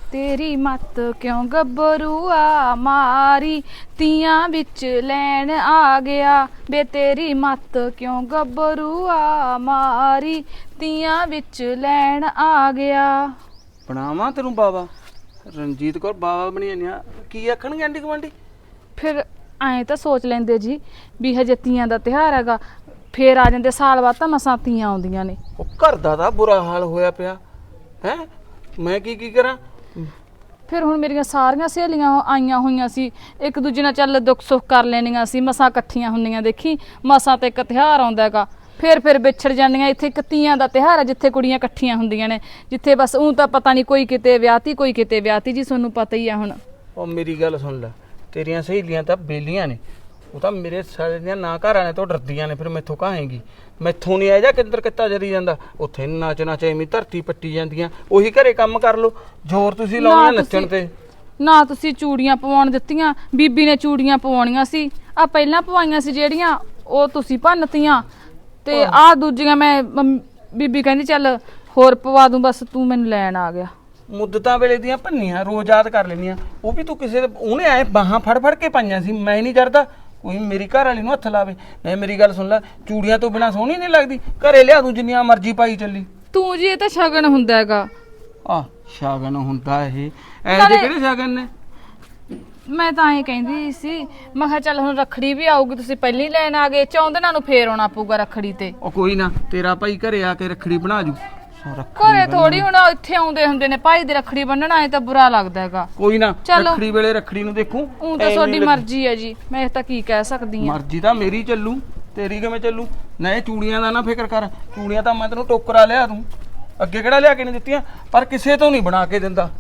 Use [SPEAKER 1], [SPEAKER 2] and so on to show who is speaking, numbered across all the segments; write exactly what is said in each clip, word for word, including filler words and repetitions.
[SPEAKER 1] तेरी मत क्यों गबरूआ मारी तियां बिच लैन आ गया बे तेरी मत क्यों गबरूआ मारी तियां बिच लैन आ गया।
[SPEAKER 2] ਬਣਾਵਾਂ ਤੈਨੂੰ ਬਾਬਾ ਰਣਜੀਤ ਕੌਰ ਬਾਬਾ ਬਣੀ ਜਾਂਦੀ ਆ ਕੀ ਆਖਣਗੇ ਆਂਢੀ ਗੁਆਂਢੀ?
[SPEAKER 1] ਫਿਰ ਐਂ ਤਾਂ ਸੋਚ ਲੈਂਦੇ ਜੀ ਵੀ ਹਜੇ ਤੀਆਂ ਦਾ ਤਿਉਹਾਰ ਹੈਗਾ ਫੇਰ ਆ ਜਾਂਦੇ ਸਾਲ ਬਾਅਦ ਤਾਂ ਮਸਾਂ ਤੀਆਂ ਆਉਂਦੀਆਂ ਨੇ।
[SPEAKER 2] ਉਹ ਘਰ ਦਾ ਤਾਂ ਬੁਰਾ ਹਾਲ ਹੋਇਆ ਪਿਆ ਹੈ ਮੈਂ ਕੀ ਕੀ ਕਰਾਂ?
[SPEAKER 1] ਫਿਰ ਹੁਣ ਮੇਰੀਆਂ ਸਾਰੀਆਂ ਸਹੇਲੀਆਂ ਆਈਆਂ ਹੋਈਆਂ ਸੀ ਇੱਕ ਦੂਜੇ ਨਾਲ ਚੱਲ ਦੁੱਖ ਸੁੱਖ ਕਰ ਲੈਣੀਆਂ ਸੀ ਮਸਾਂ ਇਕੱਠੀਆਂ ਹੁੰਦੀਆਂ ਦੇਖੀ ਮਸਾਂ ਤੇ ਇੱਕ ਤਿਉਹਾਰ ਆਉਂਦਾ ਹੈਗਾ ਫਿਰ ਫਿਰ ਵਿਛੜ ਜਾਂਦੀਆਂ। ਇੱਥੇ ਇੱਕ ਤੀਆਂ ਦਾ ਤਿਉਹਾਰ ਹੈ ਜਿੱਥੇ ਕੁੜੀਆਂ ਇਕੱਠੀਆਂ ਹੁੰਦੀਆਂ ਨੇ ਜਿੱਥੇ ਬਸ ਊਂ ਤਾਂ ਪਤਾ ਨਹੀਂ ਕੋਈ ਕਿਤੇ ਵਿਆਹਤੀ ਕੋਈ ਕਿਤੇ ਵਿਆਹਤੀ ਜੀ ਤੁਹਾਨੂੰ ਪਤਾ ਹੀ ਆ। ਹੁਣ
[SPEAKER 2] ਉਹ ਮੇਰੀ ਗੱਲ ਸੁਣ ਲੈ ਤੇਰੀਆਂ ਸਹੇਲੀਆਂ ਤਾਂ ਬੇਲੀਆਂ ਨੇ ਉਹ ਤਾਂ ਮੇਰੇ ਸਾਰੇ ਦੀਆਂ ਨਾ ਘਰ ਆਣੇ ਤੋਂ ਡਰਦੀਆਂ ਨੇ ਫਿਰ ਮੈਥੋਂ ਕਹਾਂਗੀ ਮੈਥੋਂ ਨਹੀਂ ਆਇਆ ਜਾਂ ਕਿੰਦਰ ਕਿੱਤਾ ਜਰੀ ਜਾਂਦਾ ਉੱਥੇ ਨੱਚ ਨੱਚ ਐਵੇਂ ਧਰਤੀ ਪੱਟੀ ਜਾਂਦੀਆਂ ਉਹੀ ਘਰੇ ਕੰਮ ਕਰ ਲਓ ਜ਼ੋਰ ਤੁਸੀਂ ਲਾਉਣਾ ਨੱਚਣ ਤੇ।
[SPEAKER 1] ਨਾ ਤੁਸੀਂ ਚੂੜੀਆਂ ਪਵਾਉਣ ਦਿੱਤੀਆਂ ਬੀਬੀ ਨੇ ਚੂੜੀਆਂ ਪਵਾਉਣੀਆਂ ਸੀ ਆ ਪਹਿਲਾਂ ਪਵਾਈਆਂ ਸੀ ਜਿਹੜੀਆਂ ਉਹ ਤੁਸੀਂ ਭੰਨਤੀਆਂ ਤੇ ਆਹ ਦੂਜੀਆਂ ਮੈਂ ਬੀਬੀ ਕਹਿੰਦੀ ਚੱਲ ਹੋਰ ਪਵਾ ਦੂੰ ਬਸ ਤੂੰ ਮੈਨੂੰ ਲੈਣ ਆ ਗਿਆ।
[SPEAKER 2] ਮੁੱਦਤਾਂ ਵੇਲੇ ਦੀਆਂ ਭੰਨੀਆਂ ਰੋਜ਼ ਯਾਦ ਕਰ ਲੈਣੀਆਂ ਉਹ ਵੀ ਤੂੰ ਕਿਸੇ ਦੇ ਉਹਨੇ ਆਏ ਬਾਹਾਂ ਫੜ ਫੜ ਕੇ ਪਾਈਆਂ ਸੀ ਮੈਂ ਨਹੀਂ ਕਰਦਾ ਕੋਈ ਮੇਰੀ ਘਰ ਵਾਲੀ ਨੂੰ ਹੱਥ ਲਾਵੇ। ਨਹੀਂ ਮੇਰੀ ਗੱਲ ਸੁਣ ਲੈ ਚੂੜੀਆਂ ਤੋਂ ਬਿਨਾ ਸੋਹਣੀ ਨਹੀਂ ਲੱਗਦੀ ਘਰੇ ਲਿਆ ਦੂੰ ਜਿੰਨੀਆਂ ਮਰਜ਼ੀ ਪਾਈ ਚੱਲੀ
[SPEAKER 1] ਤੂੰ ਜੀ ਇਹ ਤਾਂ ਸ਼ਗਨ ਹੁੰਦਾ ਹੈਗਾ।
[SPEAKER 2] ਆ ਸ਼ਗਨ ਹੁੰਦਾ ਇਹ ਐ ਜੇ ਕਿਹੜੇ ਸ਼ਗਨ ਨੇ?
[SPEAKER 1] ਮੈਂ ਤਾਂ ਐਂ ਕਹਿੰਦੀ ਸੀ ਮੈਂ ਕਿਹਾ ਚੱਲ ਹੁਣ ਰੱਖੜੀ ਵੀ ਆਊਗੀ ਤੁਸੀਂ ਪਹਿਲਾਂ ਹੀ ਲੈਣ ਆ ਗਏ ਚੌਂਦਨਾਂ ਨੂੰ ਫੇਰ ਆਉਣਾ ਪਊਗਾ ਰੱਖੜੀ ਤੇ।
[SPEAKER 2] ਉਹ ਕੋਈ ਨਾ ਤੇਰਾ ਭਾਈ ਘਰੇ ਆ ਕੇ ਰੱਖੜੀ ਬਣਾ ਜੂ।
[SPEAKER 1] ਘਰੇ ਥੋੜੀ ਹੁਣ ਇੱਥੇ ਆਉਂਦੇ ਹੁੰਦੇ ਨੇ ਭਾਈ ਦੀ ਰੱਖੜੀ ਬੰਨਣ ਆਏ ਤਾਂ ਬੁਰਾ ਲੱਗਦਾ ਹੈਗਾ।
[SPEAKER 2] ਕੋਈ ਨਾ ਰੱਖੜੀ ਵੇਲੇ ਰੱਖੜੀ ਨੂੰ ਦੇਖੂ
[SPEAKER 1] ਉਹ ਤਾਂ ਤੁਹਾਡੀ ਮਰਜ਼ੀ ਹੈ ਜੀ ਮੈਂ ਤਾਂ ਕੀ ਕਹਿ ਸਕਦੀ ਆ।
[SPEAKER 2] ਮਰਜ਼ੀ ਤਾਂ ਮੇਰੀ ਚੱਲੂ ਤੇਰੀ ਕਿਵੇਂ ਚੱਲੂ? ਨਾ ਇਹ ਚੂੜੀਆਂ ਦਾ ਨਾ ਫਿਕਰ ਕਰ ਚੂੜੀਆਂ ਤਾਂ ਮੈਂ ਤੈਨੂੰ ਟੋਕਰਾ ਲਿਆ ਦੂੰ ਅੱਗੇ ਕਿਹੜਾ ਲਿਆ ਕੇ ਨਹੀਂ ਦਿੱਤੀਆਂ ਪਰ ਕਿਸੇ ਤੋਂ ਨਹੀਂ ਬਣਾ ਕੇ ਦਿੰਦਾ।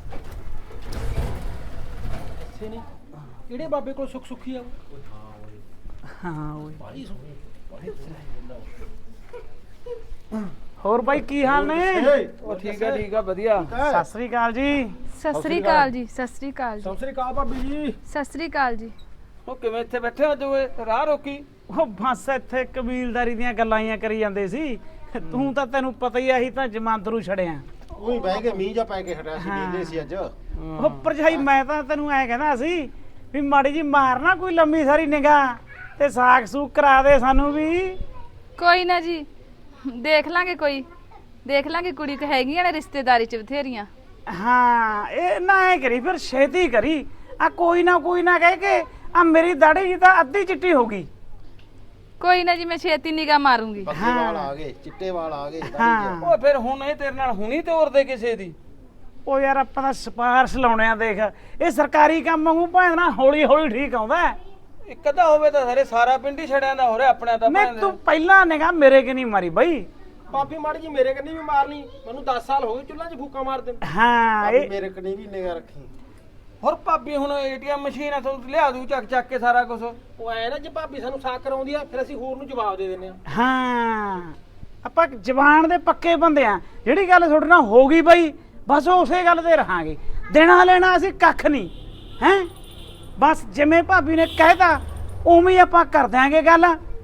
[SPEAKER 3] ਕਿਹੜੇ ਬਾਬੇ ਕੋਲ ਸੁੱਖ ਸੁੱਖੀ ਆ
[SPEAKER 2] ਹਾਂ ਓਏ
[SPEAKER 3] ਹੋਰ ਬਾਈ ਕੀ ਹਾਲ ਨੇ?
[SPEAKER 2] ਉਹ ਠੀਕ ਆ ਠੀਕ ਆ ਵਧੀਆ।
[SPEAKER 3] ਸਤਿ ਸ੍ਰੀ ਅਕਾਲ ਜੀ।
[SPEAKER 1] ਸਤਿ ਸ੍ਰੀ ਅਕਾਲ ਜੀ ਸਤਿ ਸ੍ਰੀ ਅਕਾਲ ਜੀ
[SPEAKER 3] ਸਤਿ ਸ੍ਰੀ ਅਕਾਲ ਭਾਬੀ ਜੀ।
[SPEAKER 1] ਸਤਿ ਸ੍ਰੀ ਅਕਾਲ ਜੀ।
[SPEAKER 2] ਉਹ ਕਿਵੇਂ ਇੱਥੇ ਬੈਠੇ ਅੱਜ ਓਏ ਰਾਹ ਰੋਕੀ?
[SPEAKER 3] ਉਹ ਬਸ ਇੱਥੇ ਕਬੀਲਦਾਰੀ ਦੀਆਂ ਗੱਲਾਂ ਹੀ ਕਰੀ ਜਾਂਦੇ ਸੀ ਤੂੰ ਤਾਂ ਤੈਨੂੰ ਪਤਾ ਹੀ ਆਹੀ ਤਾਂ ਜਮਾਂਦਰੂ ਛੜਿਆ
[SPEAKER 4] ਉਹੀ ਬਹਿ ਕੇ ਮੀਂਹ ਜਾ ਪੈ ਕੇ ਹਟਿਆ ਸੀ ਨੀਂਦੇ ਸੀ ਅੱਜ।
[SPEAKER 3] ਉਹ ਭਰਜਾਈ ਮੈਂ ਤਾਂ ਤੈਨੂੰ ਐ ਕਹਿੰਦਾ ਸੀ ਵੀ ਮਾੜੀ ਜੀ ਮਾਰਨਾ ਕੋਈ ਲੰਮੀ ਸਾਰੀ ਨਿਗਾਹ ਤੇ ਸਾਖ ਸੂਖ ਕਰਾ ਦੇ ਸਾਨੂੰ ਵੀ।
[SPEAKER 1] ਕੋਈ ਨਾ ਜੀ ਦੇਖ ਲਾਂਗੇ ਕੋਈ ਦੇਖ ਲਾਂਗੇ ਕੁੜੀ ਤੇ ਹੈਗੀਆਂ ਨੇ ਰਿਸ਼ਤੇਦਾਰੀ ਚ ਬਥੇਰੀਆਂ।
[SPEAKER 3] ਹਾਂ ਇਹ ਨਾ ਐ ਕਰੀ ਫਿਰ ਛੇਤੀ ਕਰੀ ਆ ਕੋਈ ਨਾ ਕੋਈ ਨਾ ਕਹਿ ਕੇ ਆ ਮੇਰੀ ਦਾੜੀ ਜੀ ਤਾਂ ਅੱਧੀ ਚਿੱਟੀ ਹੋ ਗਈ।
[SPEAKER 1] ਕੋਈ ਨਾ ਜੀ ਮੈਂ ਛੇਤੀ ਨਿਗਾਹ ਮਾਰੂੰਗੀ।
[SPEAKER 4] ਪੱਕੇ ਵਾਲ ਆ ਗਏ ਚਿੱਟੇ ਵਾਲ ਆ ਗਏ।
[SPEAKER 3] ਹਾਂ
[SPEAKER 2] ਓਏ ਫਿਰ ਹੁਣ ਇਹ ਤੇਰੇ ਨਾਲ ਹੁਣੀ ਤੋਰਦੇ ਕਿਸੇ ਦੀ?
[SPEAKER 3] ਉਹ ਯਾਰ ਆਪਾਂ ਤਾਂ ਸਪਾਰਸ਼ ਲਾਉਣੇ ਆ ਦੇਖ ਇਹ ਸਰਕਾਰੀ ਕੰਮ ਵਾਂਗੂ ਭਾਵੇਂ ਨਾ ਹੌਲੀ ਹੌਲੀ ਠੀਕ ਆਉਂਦਾ।
[SPEAKER 2] ਇੱਕ ਅੱਧਾ ਹੋਵੇ ਤਾਂ ਸਾਰੇ ਸਾਰਾ ਪਿੰਡ ਹੀ ਛੜਿਆਂ ਦਾ ਹੋ ਰਿਹਾ ਆਪਣਾ ਤਾਂ
[SPEAKER 3] ਨਹੀਂ ਤੂੰ ਪਹਿਲਾਂ ਨਿਗਾ ਮੇਰੇ ਕਿ ਨਹੀਂ ਮਾਰੀ ਬਈ।
[SPEAKER 5] ਭਾਬੀ ਮਾੜੀ ਜੀ ਮੇਰੇ ਕੰਨੀ ਵੀ ਮਾਰਨੀ ਮੈਨੂੰ ਦਸ ਸਾਲ ਹੋ ਗਏ ਚੁੱਲ੍ਹਾ 'ਚ ਫੂਕਾ ਮਾਰਦੇ
[SPEAKER 3] ਹਾਂ ਇਹ
[SPEAKER 4] ਮੇਰੇ ਕਨੀ ਵੀ ਨਿਗਾ ਰੱਖੀ।
[SPEAKER 2] ਹੋਰ ਭਾਬੀ ਹੁਣ ਏਟੀਐਮ ਮਸ਼ੀਨ ਆ ਤੁਹਾਨੂੰ ਲਿਆ ਦੂ ਚੱਕ ਚੱਕ ਕੇ ਸਾਰਾ ਕੁਝ।
[SPEAKER 5] ਉਹ ਐ ਨਾ ਜੇ ਭਾਬੀ ਸਾਨੂੰ ਸਾਕ ਕਰਾਉਂਦੀ ਆ ਫਿਰ ਅਸੀਂ ਹੋਰ ਨੂੰ ਜਵਾਬ ਦੇ ਦਿੰਦੇ ਆ।
[SPEAKER 3] ਹਾਂ ਆਪਾਂ ਜ਼ਬਾਨ ਦੇ ਪੱਕੇ ਬੰਦੇ ਆ ਜਿਹੜੀ ਗੱਲ ਤੁਹਾਡੇ ਨਾਲ ਹੋ ਗਈ ਬਈ ਬਸ ਉਸੇ ਗੱਲ ਤੇ ਰਹਾਂਗੇ ਦੇਣਾ ਲੈਣਾ ਅਸੀਂ ਕੱਖ ਨਹੀਂ ਹੈ ਬਸ ਜਿਵੇਂ ਭਾਬੀ ਨੇ ਕਹਿਤਾ ਉਵੇਂ ਹੀ ਆਪਾਂ ਕਰ ਦਿਆਂਗੇ ਗੱਲ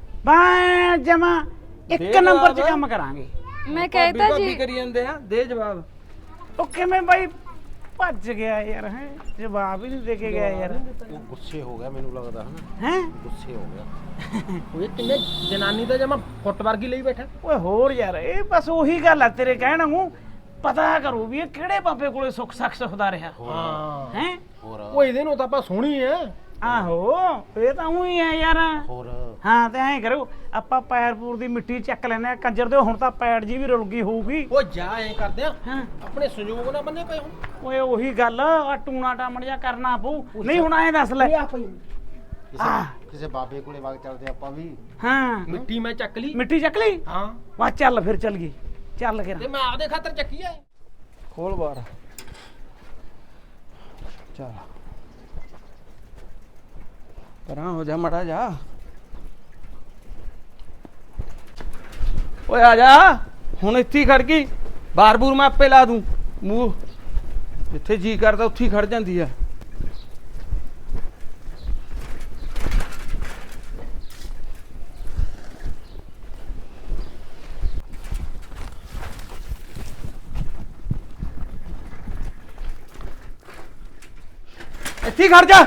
[SPEAKER 3] ਬਾ ਜਮਾ ਇੱਕ ਨੰਬਰ 'ਚ ਕੰਮ ਕਰਾਂਗੇ।
[SPEAKER 1] ਮੈਂ ਕਹਿਤਾ
[SPEAKER 2] ਭਾਬੀ
[SPEAKER 1] ਜੀ
[SPEAKER 2] ਕਰੀ ਜਾਂਦੇ ਆ ਦੇ ਜਵਾਬ।
[SPEAKER 3] ਉਹ ਕਿਵੇਂ ਬਾਈ ਭੱਜ ਗਿਆ ਯਾਰ ਹੈ ਜਵਾਬ ਹੀ ਨਹੀਂ ਦੇ ਕੇ ਗਿਆ ਯਾਰ।
[SPEAKER 4] ਉਹ ਗੁੱਸੇ ਹੋ ਗਿਆ ਮੈਨੂੰ ਲੱਗਦਾ ਹਨਾ
[SPEAKER 3] ਹੈ
[SPEAKER 4] ਗੁੱਸੇ ਹੋ ਗਿਆ।
[SPEAKER 5] ਉਹ ਕਿੰਨੇ ਜਨਾਨੀ ਦਾ ਜਮਾ ਫੁੱਟ ਵਰਗੀ ਲਈ ਬੈਠਾ।
[SPEAKER 3] ਓਏ ਹੋਰ ਯਾਰ ਇਹ ਬਸ ਉਹੀ ਗੱਲ ਆ ਤੇਰੇ ਕਹਿਣ ਨੂੰ ਪਤਾ ਕਰੋ ਵੀ ਇਹ ਕਿਹੜੇ ਬਾਬੇ ਕੋਲੇ ਸੁੱਖ ਸੱਖ ਸੁਖਦਾ ਰਿਹਾ
[SPEAKER 5] ਹਾਂ
[SPEAKER 3] ਹੈ।
[SPEAKER 4] ਹੋਰ
[SPEAKER 5] ਉਹ ਇਹਦੇ ਨੂੰ ਤਾਂ ਆਪਾਂ ਸੋਹਣੀ ਐ।
[SPEAKER 3] ਆਹੋ ਇਹ ਤਾਂ ਉਹੀ ਆ ਯਾਰ।
[SPEAKER 4] ਹੋਰ
[SPEAKER 3] ਹਾਂ ਤੇ ਐਂ ਕਰੋ ਆਪਾਂ ਪੈਰਪੂਰ ਦੀ ਮਿੱਟੀ ਚੱਕ ਲੈਨੇ ਆ ਕੰਜਰ ਦੇ ਹੁਣ ਤਾਂ ਪੈੜ ਜੀ ਵੀ ਰੁਲ ਗਈ ਹੋਊਗੀ।
[SPEAKER 5] ਉਹ ਜਾ ਐ ਕਰਦੇ ਆ
[SPEAKER 3] ਹਾਂ
[SPEAKER 5] ਆਪਣੇ ਸੰਯੋਗ ਨਾ ਬੰਨੇ ਪਏ ਹੁਣ।
[SPEAKER 3] ਓਏ ਉਹੀ ਗੱਲ ਆ ਟੂਣਾ ਟਾਮਣ ਜਿਹਾ ਕਰਨਾ ਪਊ ਨਹੀਂ ਹੁਣ ਐਂ ਦੱਸ ਲੈ।
[SPEAKER 4] ਕਿਸੇ ਕਿਸੇ ਬਾਬੇ ਕੋਲੇ ਵਗ ਚੱਲਦੇ ਆਪਾਂ ਵੀ।
[SPEAKER 3] ਹਾਂ
[SPEAKER 5] ਮਿੱਟੀ ਮੈਂ ਚੱਕ ਲਈ।
[SPEAKER 3] ਮਿੱਟੀ ਚੱਕ ਲਈ
[SPEAKER 5] ਹਾਂ
[SPEAKER 3] ਵਾ ਚੱਲ ਫਿਰ ਚੱਲ ਗਈ ਚੱਲ ਕੇ
[SPEAKER 5] ਤੇ ਮੈਂ ਆਪਦੇ ਖਾਤਰ ਚੱਕੀ ਐ।
[SPEAKER 2] ਖੋਲ ਬਾਰ ਚੱਲ ਪਰਾਂ ਹੋ ਜਾ ਮੜਾ ਜਾ। ਓਏ ਆ ਜਾ ਹੁਣ ਇੱਥੇ ਹੀ ਖੜ ਗਈ ਬਾਰ ਬੂਰ ਮੈਂ ਆਪੇ ਲਾ ਦੂੰ ਮੂੰਹ ਜਿੱਥੇ ਜੀ ਕਰਦਾ ਉੱਥੇ ਹੀ ਖੜ ਜਾਂਦੀ ਆ। ਇੱਥੇ ਹੀ ਖੜ ਜਾ।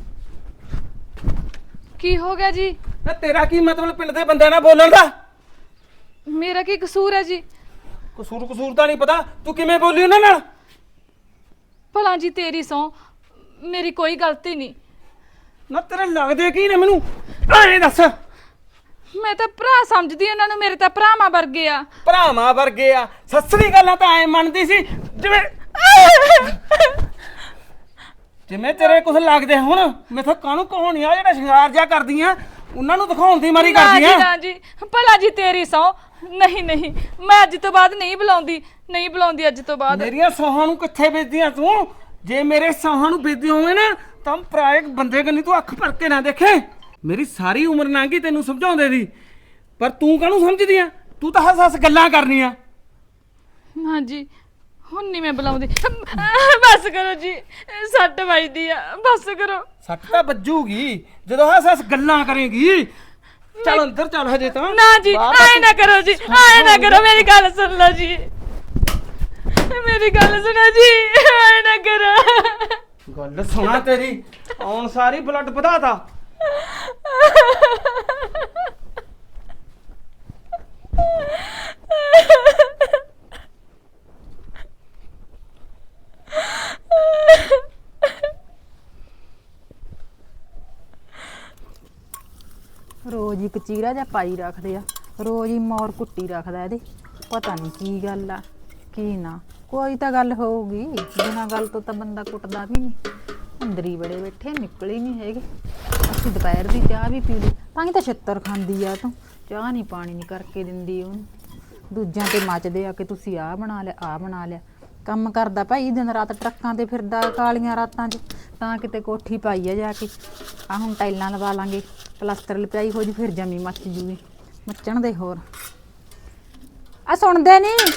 [SPEAKER 1] ਕੀ ਹੋ ਗਿਆ ਜੀ?
[SPEAKER 2] ਨਾ ਤੇਰਾ ਕੀ ਮਤਲਬ ਪਿੰਡ ਦੇ ਬੰਦਿਆਂ ਨਾਲ ਬੋਲਣ ਦਾ?
[SPEAKER 1] ਮੇਰਾ ਕੀ ਕਸੂਰ ਹੈ ਜੀ?
[SPEAKER 2] ਕਸੂਰ ਕਸੂਰ ਤਾਂ ਨਹੀਂ ਪਤਾ, ਤੂੰ ਕਿਵੇਂ ਬੋਲੀ ਉਹਨਾਂ ਨਾਲ?
[SPEAKER 1] ਭਲਾ ਜੀ ਤੇਰੀ ਸੌ, ਮੇਰੀ ਕੋਈ ਗਲਤੀ ਨਹੀਂ।
[SPEAKER 2] ਨਾ ਤੇਰੇ ਲੱਗਦੇ ਕੀ ਨੇ ਮੈਨੂੰ ਐਂ ਦੱਸ।
[SPEAKER 1] ਮੈਂ ਤਾਂ ਭਰਾ ਸਮਝਦੀ ਉਹਨਾਂ ਨੂੰ, ਮੇਰੇ ਤਾਂ ਭਰਾਵਾਂ ਵਰਗੇ ਆ।
[SPEAKER 2] ਭਰਾਵਾਂ ਵਰਗੇ ਆ? ਸੱਸਰੀ ਗੱਲਾਂ ਤਾਂ ਐ ਮੰਨਦੀ ਸੀ ਜਿਵੇਂ ਜਿਵੇਂ ਤੇਰੇ ਕੁਝ ਲੱਗਦੇ ਹੁਣ। ਮੈਥੋਂ ਕਾਹਨੂੰ ਕਹਾਣੀਆਂ ਜਿਹੜਾ ਸ਼ਿੰਗਾਰ ਜਿਹਾ ਕਰਦੀਆਂ ਉਹਨਾਂ ਨੂੰ ਦਿਖਾਉਣ ਦੀ ਮਾਰੀ
[SPEAKER 1] ਨਾ ਜੀ
[SPEAKER 2] ਕਰਦੀਆਂ।
[SPEAKER 1] ਨਾ ਜੀ, ਭਲਾ ਜੀ ਤੇਰੀ ਸੌ, ਨਹੀਂ ਨਹੀਂ, ਮੈਂ ਅੱਜ ਤੋਂ ਬਾਅਦ ਨਹੀਂ ਬੁਲਾਉਂਦੀ, ਨਹੀਂ ਬੁਲਾਉਂਦੀ ਅੱਜ ਤੋਂ ਬਾਅਦ।
[SPEAKER 2] ਮੇਰੀਆਂ ਸੌਹਾਂ ਨੂੰ ਕਿੱਥੇ ਵੇਚਦੀਆਂ ਤੂੰ? ਜੇ ਮੇਰੇ ਸੌਹਾਂ ਨੂੰ ਵੇਚਦੀ ਹੋਵੇ ਨਾ ਤਾਂ ਪਰਾਏ ਬੰਦੇ ਕੰਨੀ ਤੂੰ ਅੱਖ ਭਰ ਕੇ ਨਾ ਦੇਖੇ। ਮੇਰੀ ਸਾਰੀ ਉਮਰ ਲੰਘ ਗਈ ਤੈਨੂੰ ਸਮਝਾਉਂਦੇ ਦੀ, ਪਰ ਤੂੰ ਕਾਹਨੂੰ ਸਮਝਦੀ ਆ? ਤੂੰ ਤਾਂ ਹੱਸ ਹੱਸ ਗੱਲਾਂ ਕਰਨੀਆਂ।
[SPEAKER 1] ਹਾਂ ਜੀ, ਹੁਣ ਨਹੀਂ ਮੈਂ ਬੁਲਾਉਂਦੀ। ਬਸ ਕਰੋ ਜੀ, ਸੱਟ ਵੱਜਦੀ ਆ, ਬਸ ਕਰੋ।
[SPEAKER 2] ਸੱਟ ਤਾਂ ਵੱਜੂਗੀ ਜਦੋਂ ਹੱਸ ਹੱਸ ਗੱਲਾਂ ਕਰੇਗੀ। ਚੱਲ ਅੰਦਰ ਚੱਲ ਹਜੇ ਤਾਂ।
[SPEAKER 1] ਨਾ ਜੀ, ਆਏ ਨਾ ਕਰੋ ਜੀ, ਆਏ ਨਾ ਕਰੋ, ਮੇਰੀ ਗੱਲ ਸੁਣ ਲਓ ਜੀ, ਮੇਰੀ ਗੱਲ ਸੁਣੋ ਜੀ, ਆਏ ਨਾ ਕਰੋ।
[SPEAKER 2] ਗੱਲ ਸੁਣਾ ਤੇਰੀ, ਆਉਣ ਸਾਰੀ ਬਲੱਡ ਵਧਾਤਾ।
[SPEAKER 6] ਰੋਜ਼ ਹੀ ਕਚੀਰਾ ਜਿਹਾ ਪਾਈ ਰੱਖਦੇ ਆ, ਰੋਜ਼ ਹੀ ਮੌਰ ਕੁੱਟੀ ਰੱਖਦਾ ਇਹਦੇ। ਪਤਾ ਨਹੀਂ ਕੀ ਗੱਲ ਆ ਕੀ ਨਾ, ਕੋਈ ਤਾਂ ਗੱਲ ਹੋਊਗੀ, ਬਿਨਾਂ ਗੱਲ ਤੋਂ ਤਾਂ ਬੰਦਾ ਕੁੱਟਦਾ ਵੀ ਨਹੀਂ। ਅੰਦਰ ਹੀ ਬੜੇ ਬੈਠੇ, ਨਿਕਲ ਹੀ ਨਹੀਂ ਹੈਗੇ। ਅਸੀਂ ਦੁਪਹਿਰ ਦੀ ਚਾਹ ਵੀ ਪੀ ਲਈ, ਤਾਂ ਹੀ ਤਾਂ ਛਿੱਤਰ ਖਾਂਦੀ ਆ ਤੂੰ। ਚਾਹ ਨਹੀਂ ਪਾਣੀ ਨਹੀਂ ਕਰਕੇ ਦਿੰਦੀ ਉਹਨੂੰ, ਦੂਜਿਆਂ ਤੇ ਮੱਚਦੇ ਆ ਕਿ ਤੁਸੀਂ ਆਹ ਬਣਾ ਲਿਆ ਆਹ ਬਣਾ ਲਿਆ। ਕੰਮ ਕਰਦਾ ਭਾਈ ਦਿਨ ਰਾਤ ਟਰੱਕਾਂ ਤੇ ਫਿਰਦਾ ਕਾਲੀਆਂ ਰਾਤਾਂ 'ਚ, ਤਾਂ ਕਿਤੇ ਕੋਠੀ ਪਾਈ ਆ ਜਾ ਕੇ। ਆ ਹੁਣ ਟਾਈਲਾਂ ਲਵਾ ਲਾਂਗੇ, ਪਲਾਸਟਰ ਲਪਾਈ ਹੋ ਜੀ, ਫਿਰ ਜਮੀ ਮੱਚ ਜੂਗੀ। ਮੱਚਣ ਦੇ ਹੋਰ ਆ ਸੁਣਦੇ ਨਹੀਂ,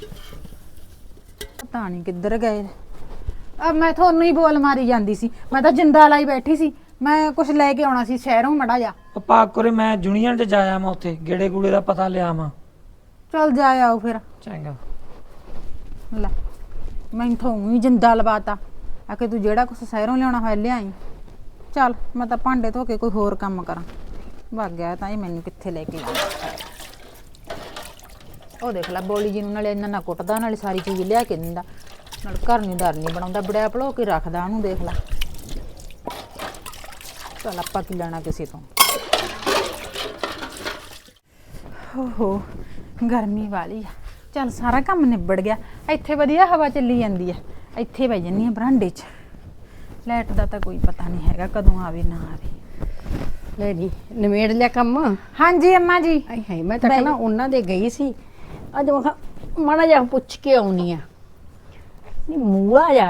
[SPEAKER 6] ਪਤਾ ਨਹੀਂ ਕਿੱਧਰ ਗਏ। ਆ ਮੈਂ ਤੁਹਾਨੂੰ ਹੀ ਬੋਲ ਮਾਰੀ ਜਾਂਦੀ ਸੀ, ਮੈਂ ਤਾਂ ਜਿੰਦਾ ਲਾਈ ਬੈਠੀ ਸੀ। ਮੈਂ ਕੁਝ ਲੈ ਕੇ ਆਉਣਾ ਸੀ ਸ਼ਹਿਰੋਂ ਮੜਾ ਜਾ।
[SPEAKER 7] ਪਾ ਕੋਰੇ ਮੈਂ ਜੂਨੀਅਰ ਤੇ ਜਾਇਆ ਮੈਂ ਉੱਥੇ ਗੇੜੇ ਗੂੜੇ ਦਾ ਪਤਾ ਲਿਆ ਮੈਂ।
[SPEAKER 6] ਚੱਲ ਜਾ ਆਓ ਫਿਰ।
[SPEAKER 7] ਚੰਗਾ।
[SPEAKER 6] ਲੈ ਮੈਂ ਤੁਹਾਨੂੰ ਹੀ ਜਿੰਦਾ ਲਵਾਤਾ, ਆ ਕਿ ਤੂੰ ਜਿਹੜਾ ਕੁਛ ਸ਼ਹਿਰੋਂ ਲਿਆਉਣਾ ਹੋਇਆ ਲਿਆਈ। ਚੱਲ ਮੈਂ ਤਾਂ ਭਾਂਡੇ ਧੋ ਕੇ ਕੋਈ ਹੋਰ ਕੰਮ ਕਰਾਂ। ਭੱਗ ਗਿਆ ਤਾਂ ਇਹ ਮੈਨੂੰ ਕਿੱਥੇ ਲੈ ਕੇ ਜਾਣਾ। ਉਹ ਦੇਖ ਲੈ ਬੋਲੀ ਜੀ ਨੂੰ, ਨਾਲੇ ਇੰਨਾ ਨਾ ਕੁੱਟਦਾ, ਨਾਲੇ ਸਾਰੀ ਚੀਜ਼ ਲਿਆ ਕੇ ਦਿੰਦਾ, ਨਾਲ ਘਰ ਨਹੀਂ ਦਰ ਨਹੀਂ ਬਣਾਉਂਦਾ, ਬੜਿਆ ਭਲੋ ਕੇ ਰੱਖਦਾ ਉਹਨੂੰ। ਦੇਖ ਲੈ, ਚੱਲ ਆਪਾਂ ਕੀ ਲੈਣਾ ਕਿਸੇ ਤੋਂ। ਓਹੋ ਗਰਮੀ ਵਾਲੀ ਆ। ਚੱਲ ਸਾਰਾ ਕੰਮ ਨਿਬੜ ਗਿਆ, ਇੱਥੇ ਵਧੀਆ ਹਵਾ ਚੱਲੀ ਜਾਂਦੀ ਆ। ਇੱਥੇ ਬਹਿ ਜੰਨੀ ਆ ਬਰਾਂਡੇ 'ਚ। ਲਾਈਟ ਦਾ ਤਾਂ ਕੋਈ ਪਤਾ ਨਹੀਂ ਹੈਗਾ ਕਦੋਂ ਆਵੇ ਨਾ ਆਵੇ।
[SPEAKER 8] ਲੈ ਜੀ ਨਿਮੇੜ ਲਿਆ ਕੰਮ।
[SPEAKER 6] ਹਾਂਜੀ ਅੰਮਾ ਜੀ।
[SPEAKER 8] ਆਈ ਹਾਏ ਮੈਂ ਤਾਂ ਕਹਿੰਦਾ ਉਹਨਾਂ ਦੇ ਗਈ ਸੀ ਅੱਜ, ਮੈਂ ਕਿਹਾ ਮਾੜਾ ਜਿਹਾ ਪੁੱਛ ਕੇ ਆਉਣੀ ਆ। ਨਹੀਂ ਮੂਆ ਜਾ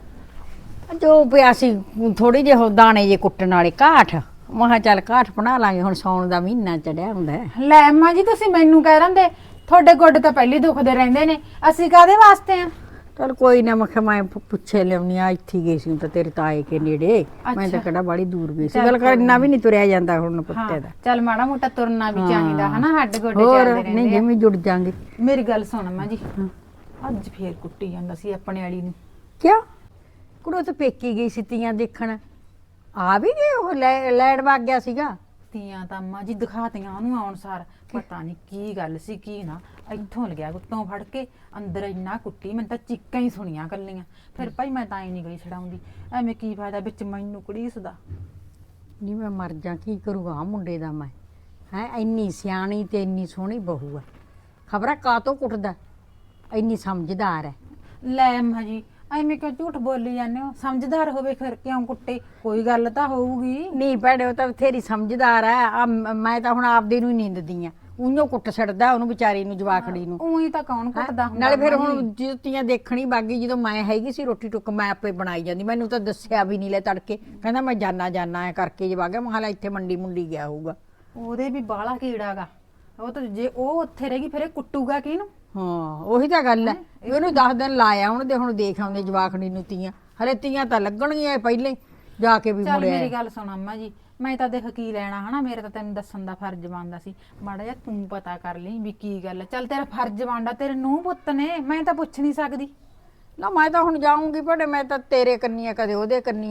[SPEAKER 8] ਜੋ ਪਿਆ ਸੀ ਥੋੜੀ ਜਿਹੀ ਦਾਣੇ ਜੇ ਕੁੱਟਣ ਵਾਲੇ ਕਾਠ, ਮੈਂ ਕਿਹਾ ਚੱਲ ਕਾਠ ਬਣਾ ਲਾਂਗੇ, ਹੁਣ ਸੌਣ ਦਾ ਮਹੀਨਾ ਚੜਿਆ ਹੁੰਦਾ।
[SPEAKER 6] ਲੈ ਅੰਮਾ ਜੀ ਤੁਸੀਂ ਮੈਨੂੰ ਕਹਿ ਰਹਿੰਦੇ, ਤੁਹਾਡੇ ਗੋਡੇ ਤਾਂ ਪਹਿਲੀ ਦੁਖਦੇ ਰਹਿੰਦੇ ਨੇ, ਅਸੀਂ ਕਾਹਦੇ ਵਾਸਤੇ ਆ।
[SPEAKER 8] ਚਲ ਕੋਈ ਨਾ, ਮੈਂ ਕਿਹਾ ਮੈਂ ਪੁੱਛੇ ਲਿਆਉਣੀ ਆ। ਇੱਥੇ ਗਈ ਸੀ ਤਾਂ ਤੇਰੇ ਤਾਏ ਕੇ ਨੇੜੇ, ਮੈਂ ਤਾਂ ਕਿਹੜਾ ਬੜੀ ਦੂਰ ਗਈ ਸੀ। ਗੱਲ ਕਰ ਇੰਨਾ ਵੀ ਨਹੀਂ ਤੁਰਿਆ ਜਾਂਦਾ ਹੁਣ ਪੁੱਤੇ ਦਾ।
[SPEAKER 6] ਚੱਲ ਮਾੜਾ ਮੋਟਾ ਤੁਰਨਾ ਵੀ ਚਾਹੀਦਾ ਹਨਾ, ਹੱਡ ਗੋਡੇ
[SPEAKER 8] ਹੋਰ
[SPEAKER 6] ਚੱਲਦੇ ਰਹਿੰਦੇ
[SPEAKER 8] ਨਹੀਂ
[SPEAKER 6] ਆ।
[SPEAKER 8] ਜਿਵੇਂ ਜੁੜ ਜਾਾਂਗੇ।
[SPEAKER 6] ਮੇਰੀ ਗੱਲ ਸੁਣ ਅੰਮਾ ਜੀ, ਅੱਜ ਫੇਰ ਕੁੱਟੀ ਜਾਂਦਾ ਸੀ ਆਪਣੇ ਵਾਲੀ ਨੂੰ।
[SPEAKER 8] ਕਿਉਂ ਕੁੜੋ ਤਾਂ ਪੇਕੀ ਗਈ ਸੀ ਤੀਆਂ ਦੇਖਣ, ਆ ਵੀ ਗਏ ਉਹ ਲੈੜ ਵਗ ਗਿਆ ਸੀਗਾ।
[SPEAKER 6] ਤੀਆਂ ਤਾਂ ਅੰਮਾ ਜੀ ਦਿਖਾਤੀਆਂ ਉਹਨੂੰ ਆਉਣ ਸਾਰ, ਪਤਾ ਨਹੀਂ ਕੀ ਗੱਲ ਸੀ ਕੀ ਨਾ। ਇੱਥੋਂ ਲੱਗਿਆ ਗੁੱਤੋਂ ਫੜ ਕੇ ਅੰਦਰ ਇੰਨਾ ਕੁੱਟੀ, ਮੈਨੂੰ ਤਾਂ ਚੀਕਾਂ ਹੀ ਸੁਣੀਆਂ ਕੱਲੀਆਂ। ਫਿਰ ਭਾਈ ਮੈਂ ਤਾਂ ਹੀ ਨਹੀਂ ਗਈ ਛਡਾਉਂਦੀ, ਐਵੇਂ ਕੀ ਫਾਇਦਾ ਵਿੱਚ ਮੈਨੂੰ ਕੁੜੀਸਦਾ।
[SPEAKER 8] ਨਹੀਂ ਮੈਂ ਮਰ ਜਾ, ਕੀ ਕਰੂਗਾ ਆ ਮੁੰਡੇ ਦਾ ਮੈਂ। ਹੈ ਇੰਨੀ ਸਿਆਣੀ ਤੇ ਇੰਨੀ ਸੋਹਣੀ ਬਹੂ ਹੈ, ਖਬਰਾਂ ਕਾਹਤੋਂ ਕੁੱਟਦਾ, ਇੰਨੀ ਸਮਝਦਾਰ ਹੈ।
[SPEAKER 6] ਲੈ ਅੰਮਾ ਜੀ ਐਵੇਂ ਕਿਉਂ ਝੂਠ ਬੋਲੀ ਜਾਂਦੇ ਹੋ? ਸਮਝਦਾਰ ਹੋਵੇ ਫਿਰ ਕਿਉਂ ਕੁੱਟੇ, ਕੋਈ ਗੱਲ ਤਾਂ ਹੋਊਗੀ।
[SPEAKER 8] ਨਹੀਂ ਭੈਣੇ ਉਹ ਤਾਂ ਬਥੇਰੀ ਸਮਝਦਾਰ ਹੈ। ਆ ਮੈਂ ਤਾਂ ਹੁਣ ਆਪਦੇ ਨੂੰ ਹੀ ਨੀਂਦਦੀ ਆ, ਉਹਨੂੰ ਕੁੱਟ ਛੱਡਦਾ ਉਹਨੂੰ ਵਿਚਾਰੀ ਨੂੰ, ਜਵਾਕੜੀ ਨੂੰ।
[SPEAKER 6] ਉਹੀ ਤਾਂ ਕੌਣ ਕੁੱਟਦਾ ਹੁੰਦਾ।
[SPEAKER 8] ਨਾਲੇ ਫਿਰ ਹੁਣ ਜੁੱਤੀਆਂ ਦੇਖਣੀ ਬਾਗੀ, ਜਦੋਂ ਮੈਂ ਹੈਗੀ ਸੀ ਰੋਟੀ ਟੁੱਕ ਮੈਂ ਆਪੇ ਬਣਾਈ ਜਾਂਦੀ, ਮੈਨੂੰ ਤਾਂ ਦੱਸਿਆ ਵੀ ਨਹੀਂ ਲੈ ਤੜਕੇ, ਕਹਿੰਦਾ ਮੈਂ ਜਾਨਾ ਜਾਨਾ ਐ ਕਰਕੇ ਜਵਾ ਗਿਆ। ਮੈਂ ਇੱਥੇ ਮੰਡੀ ਮੁੰਡੀ ਗਿਆ ਹੋਊਗਾ।
[SPEAKER 6] ਉਹਦੇ ਵੀ ਬਾਲਾ ਕੀੜਾ ਗਾ, ਉਹ ਤਾਂ ਜੇ ਉਹ ਉੱਥੇ ਰਹੇਗੀ ਫਿਰ ਇਹ ਕੁੱਟੂਗਾ ਕਿਹਨੂੰ?
[SPEAKER 8] ਹਾਂ ਉਹੀ ਤਾਂ ਗੱਲ ਹੈ, ਉਹਨੂੰ ਦਸ ਦਿਨ ਲਾਇਆ ਹੁਣ ਦੇ, ਹੁਣ ਦੇਖ ਆਉਂਦੇ ਜਵਾਕੜੀ ਨੂੰ ਤੀਆਂ, ਹਲੇ ਤੀਆਂ ਤਾਂ ਲੱਗਣਗੀਆਂ ਪਹਿਲੇ ਜਾ ਕੇ ਵੀ
[SPEAKER 6] ਚੱਲ
[SPEAKER 8] ਮੁੜਿਆ।
[SPEAKER 6] ਮੇਰੀ ਗੱਲ ਸੁਣ ਅੰਮਾ ਜੀ, ਮੈਂ ਤਾਂ ਦੇਖ ਕੀ ਲੈਣਾ ਹਨਾ, ਮੇਰੇ ਤਾਂ ਤੈਨੂੰ ਦੱਸਣ ਦਾ ਫਰਜ਼ ਬਣਦਾ ਸੀ। ਮਾੜਾ ਜਿਹਾ ਤੂੰ ਪਤਾ ਕਰ ਲਈ ਵੀ ਕੀ ਗੱਲ ਹੈ। ਚੱਲ ਤੇਰਾ ਫਰਜ਼ ਬਣਦਾ, ਤੇਰੇ ਨੂੰਹ ਪੁੱਤ ਨੇ, ਮੈਂ ਤਾਂ ਪੁੱਛ ਨਹੀਂ ਸਕਦੀ।
[SPEAKER 8] ਨਾ ਮੈਂ ਤਾਂ ਹੁਣ ਜਾਊਂਗੀ ਭੜੇ, ਮੈਂ ਤਾਂ ਤੇਰੇ ਕੰਨੀ ਆ ਕਦੇ ਉਹਦੇ ਕੰਨੀ ਆ,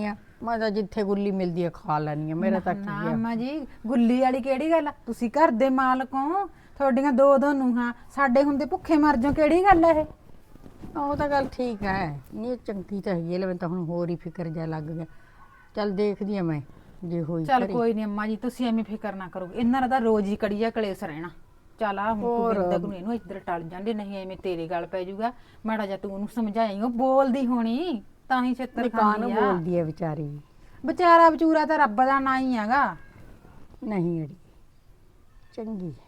[SPEAKER 8] ਮੈਂ ਤਾਂ ਜਿੱਥੇ ਗੁੱਲੀ ਮਿਲਦੀ ਹੈ ਖਾ ਲੈਣੀ ਆ ਮੇਰਾ ਤਾਂ ਕੀ
[SPEAKER 6] ਨਾ
[SPEAKER 8] ਆ
[SPEAKER 6] ਅੰਮਾ ਜੀ ਗੁੱਲੀ ਵਾਲੀ ਕਿਹੜੀ ਗੱਲ ਆ? ਤੁਸੀਂ ਘਰ ਦੇ ਮਾਲਕ ਹੋ, ਤੁਹਾਡੀਆਂ ਦੋ ਦੋ ਨੂੰਹਾਂ, ਸਾਡੇ ਹੁੰਦੇ ਭੁੱਖੇ ਮਰ ਜਾਓ, ਕਿਹੜੀ ਗੱਲ ਹੈ ਇਹ?
[SPEAKER 8] ਉਹ ਤਾਂ ਗੱਲ ਠੀਕ ਹੈ ਨਹੀਂ ਚੰਗੀ ਤਾਂ ਹੈਗੀ ਹੈ ਲੈ, ਮੈਨੂੰ ਤਾਂ ਹੁਣ ਹੋਰ ਹੀ ਫਿਕਰ ਜਾ ਲੱਗ ਗਿਆ। ਚੱਲ ਦੇਖਦੀ ਆ ਮੈਂ ਜੇ ਹੋਈ
[SPEAKER 6] ਚੱਲ
[SPEAKER 8] ਘਰੇ।
[SPEAKER 6] ਕੋਈ ਨਹੀਂ ਅੰਮਾ ਜੀ, ਤੁਸੀਂ ਐਵੇਂ ਫਿਕਰ ਨਾ ਕਰੋ, ਇਹਨਾਂ ਦਾ ਤਾਂ ਰੋਜ਼ ਹੀ ਕੜੀਆ ਕਲੇਸ਼ ਰਹਿਣਾ। ਚੱਲ ਆ ਹੁਣ ਤੂੰ ਬਿੰਦਕ ਨੂੰ ਇਹਨੂੰ ਇੱਧਰ ਟਲ ਜਾਂਦੇ, ਨਹੀਂ ਐਵੇਂ ਤੇਰੇ ਗੱਲ ਪੈ ਜਾਊਗਾ। ਮਾੜਾ ਜਿਹਾ ਤੂੰ ਉਹਨੂੰ ਸਮਝਾਈ, ਉਹ ਬੋਲਦੀ ਹੋਣੀ ਤਾਂ ਹੀ ਛਿੱਤਰ
[SPEAKER 8] ਕਾਹਨੂੰ
[SPEAKER 6] ਖਾਂਦੀ ਆ।
[SPEAKER 8] ਬੋਲਦੀ ਹੈ ਵਿਚਾਰੀ?
[SPEAKER 6] ਵਿਚਾਰਾ ਵਿਚੂਰਾ ਤਾਂ ਰੱਬ ਦਾ ਨਾਂ ਹੀ ਹੈਗਾ।
[SPEAKER 8] ਨਹੀਂ ਅੜੀ ਚੰਗੀ ਹੈ।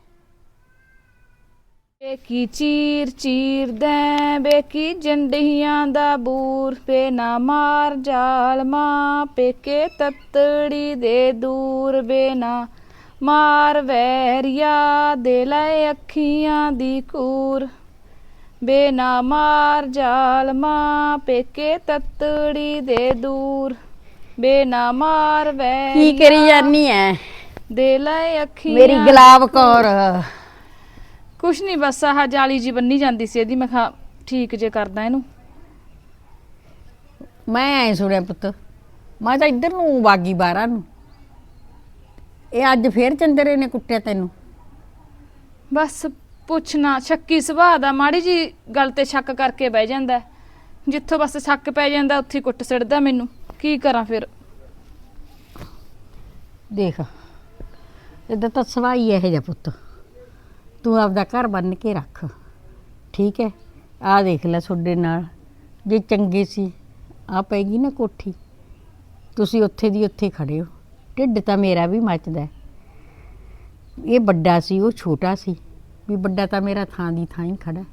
[SPEAKER 1] ਬੇਕੀ ਚੀਰ ਚੀਰ ਦੈ ਬੇਕੀ ਜੰਡੀਆਂ ਦਾ ਬੂਰ ਪੇ ਨਾ ਮਾਰ ਜਾਲਮਾ ਪੇਕੇ ਤਤੜੀ ਦੇ ਦੂਰ ਬੇ ਨਾ ਮਾਰ ਵੈਰੀਆ ਦੇ ਲੈ ਅੱਖੀਆਂ ਦੀ ਕੂਰ ਬੇ ਨਾ ਮਾਰ ਜਾਲਮਾ ਪੇਕੇ ਤਤੜੀ ਦੇ ਦੂਰ ਬੇ ਨਾ ਮਾਰ
[SPEAKER 8] ਕੀ
[SPEAKER 1] ਵੈਰੀਆ
[SPEAKER 8] ਕਰੀ ਜਾਨੀ ਐ
[SPEAKER 1] ਦੇ ਲੈ ਅੱਖੀਆਂ
[SPEAKER 8] ਮੇਰੀ ਗੁਲਾਬ ਕੌਰ?
[SPEAKER 1] ਕੁਛ ਨਹੀਂ, ਬਸ ਆਹ ਜਾਲੀ ਜੀ ਬੰਨੀ ਜਾਂਦੀ ਸੀ ਇਹਦੀ, ਮੈਂ ਕਿਹਾ ਠੀਕ ਜੇ ਕਰਦਾ ਇਹਨੂੰ।
[SPEAKER 8] ਮੈਂ ਐ ਸੁਣਿਆ ਪੁੱਤ, ਮੈਂ ਤਾਂ ਇੱਧਰ ਨੂੰ ਬਾਗੀ ਬਾਰਾਂ ਨੂੰ, ਇਹ ਅੱਜ ਫੇਰ ਚੰਦਰੇ ਨੇ ਕੁੱਟਿਆ ਤੈਨੂੰ?
[SPEAKER 1] ਬਸ ਪੁੱਛਣਾ, ਸ਼ੱਕੀ ਸੁਭਾਅ ਦਾ, ਮਾੜੀ ਜੀ ਗੱਲ ਤੇ ਸ਼ੱਕ ਕਰਕੇ ਬਹਿ ਜਾਂਦਾ ਹੈ। ਜਿੱਥੋਂ ਬਸ ਸ਼ੱਕ ਪੈ ਜਾਂਦਾ ਉੱਥੇ ਹੀ ਕੁੱਟ ਸਿੜਦਾ ਮੈਨੂੰ, ਕੀ ਕਰਾਂ ਫਿਰ?
[SPEAKER 8] ਦੇਖ ਇਹਦਾ ਤਾਂ ਸਵਾਈ ਇਹੋ ਜਿਹਾ ਪੁੱਤ, ਤੂੰ ਆਪਦਾ ਘਰ ਬੰਨ ਕੇ ਰੱਖ, ਠੀਕ ਹੈ? ਆਹ ਦੇਖ ਲੈ ਤੁਹਾਡੇ ਨਾਲ ਜੇ ਚੰਗੇ ਸੀ, ਆ ਪੈਗੀ ਨਾ ਕੋਠੀ, ਤੁਸੀਂ ਉੱਥੇ ਦੀ ਉੱਥੇ ਖੜੇ ਹੋ, ਢਿੱਡ ਤਾਂ ਮੇਰਾ ਵੀ ਮੱਚਦਾ ਹੈ। ਇਹ ਵੱਡਾ ਸੀ, ਉਹ ਛੋਟਾ ਸੀ, ਵੀ ਵੱਡਾ ਤਾਂ ਮੇਰਾ ਥਾਂ ਦੀ ਥਾਂ ਹੀ ਖੜਾ।